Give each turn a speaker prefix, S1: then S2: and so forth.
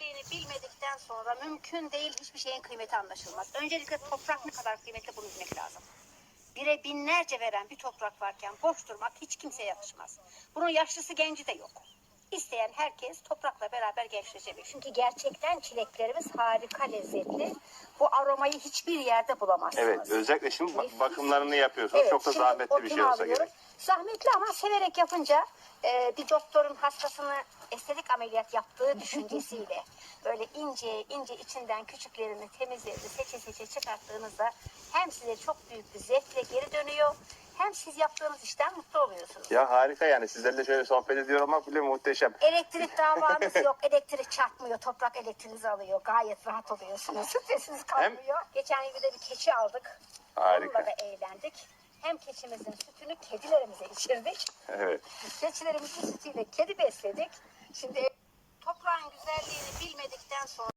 S1: güzelliğini bilmedikten sonra mümkün değil, hiçbir şeyin kıymeti anlaşılmaz. Öncelikle toprak ne kadar kıymetli bunu bilmek lazım. Bire binlerce veren bir toprak varken boş durmak hiç kimseye yakışmaz. Bunun yaşlısı genci de yok. İsteyen herkes toprakla beraber gençleşebilir. Çünkü gerçekten çileklerimiz harika lezzetli. Bu aromayı hiçbir yerde bulamazsınız.
S2: Evet, özellikle şimdi bakımlarını yapıyorsunuz.
S1: Evet,
S2: Çok da
S1: şimdi
S2: zahmetli bir şey
S1: otunu
S2: olsa
S1: alıyorum.
S2: gerek.
S1: Zahmetli ama severek yapınca bir doktorun hastasını estetik ameliyat yaptığı düşüncesiyle böyle ince ince içinden küçüklerini, temizlerini seçe seçe çıkarttığınızda hem size çok büyük bir zevkle geri dönüyor, hem siz yaptığınız işten mutlu oluyorsunuz.
S2: Ya harika yani. Sizlerle şöyle sohbet ediyor olmak bile muhteşem.
S1: Elektrik davanız yok. Elektrik çarpmıyor. Toprak elektriğinizi alıyor. Gayet rahat oluyorsunuz. Sesiniz kalmıyor. Geçen yıl bir de bir keçi aldık.
S2: Harika.
S1: Onunla da eğlendik. Hem keçimizin sütünü kedilerimize içirdik.
S2: Evet.
S1: Keçilerimizin sütüyle kedi besledik. Şimdi toprağın güzelliğini bilmedikten sonra